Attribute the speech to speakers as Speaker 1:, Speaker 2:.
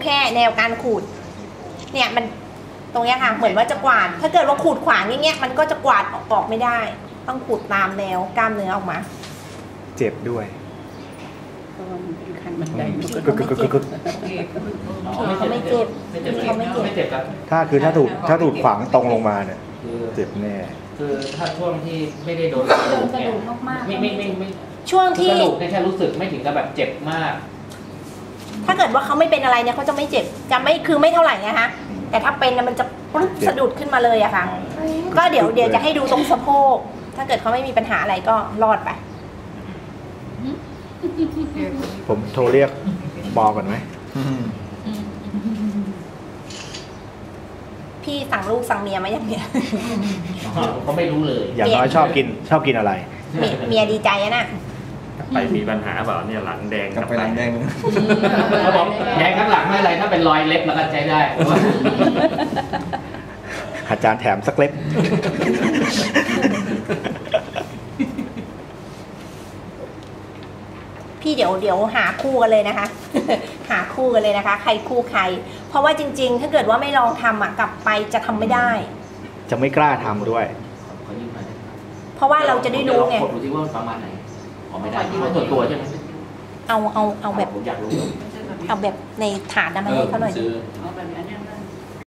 Speaker 1: แค่แนวการขูดเนี่ยมันตรงเนี้ยค่ะเหมือนว่าจะกวาดถ้าเกิดว่าขูดขวางอย่างเงี้ยมันก็จะกวาดออกไม่ได้ต้องขูดตามแนวกล้ามเนื้อออกมา
Speaker 2: เจ็บด้วย
Speaker 1: เขาไม่เจ็บ
Speaker 3: ไม่เจ็บครับ
Speaker 2: ถ้าถูกขวางตรงลงมาเนี่ยเจ็บแน่
Speaker 3: คือถ้าช่วงที่ไม่ได้โดนกระดูกเนี่ยไม่
Speaker 1: ช่วงที่
Speaker 3: กระดูกแค่รู้สึกไม่ถึงกับแบบเจ็บมาก
Speaker 1: ถ้าเกิดว่าเขาไม่เป็นอะไรเนี่ยเขาจะไม่เจ็บจะไม่คือไม่เท่าไหร่นะคะแต่ถ้าเป็นมันจะปุ๊บสะดุดขึ้นมาเลยอะค่ะก็เดี๋ยวจะให้ดูตรงสะโพกถ้าเกิดเขาไม่มีปัญหาอะไรก็รอดไป
Speaker 2: ผมโทรเรียกหมอก่อนไหม
Speaker 1: พี่สั่งลูกสั่งเมียมาอย่างเนี้ย
Speaker 3: เขาไม่รู้เลย
Speaker 2: อย่างน้อยชอบกินอะไร
Speaker 1: เมียดีใจนะ
Speaker 4: ไปมีปัญหาเปล่าเนี่ยหลังแดง
Speaker 5: กลับไปหลังแดง
Speaker 3: เขาบอกแดงข้างหลังไม่อะไรถ้าเป็นรอยเล็บแล้วก็ใช้ได้
Speaker 2: อาจารย์แถมสักเล็บ
Speaker 1: พี่เดี๋ยวหาคู่กันเลยนะคะ หาคู่กันเลยนะคะใครคู่ใครเพราะว่าจริงๆถ้าเกิดว่าไม่ลองทำอ่ะกลับไปจะทำไม่ได้
Speaker 2: จะไม่กล้าทำด้วย
Speaker 1: เพราะว่าเราจะได้รู้ไง
Speaker 3: ดูที่ว่าประมาณไหนไม่ได้เอาตัวใช่ไหม
Speaker 1: เอาแบบเอาแบบในถาดนั้นมาให้เขาหน่อย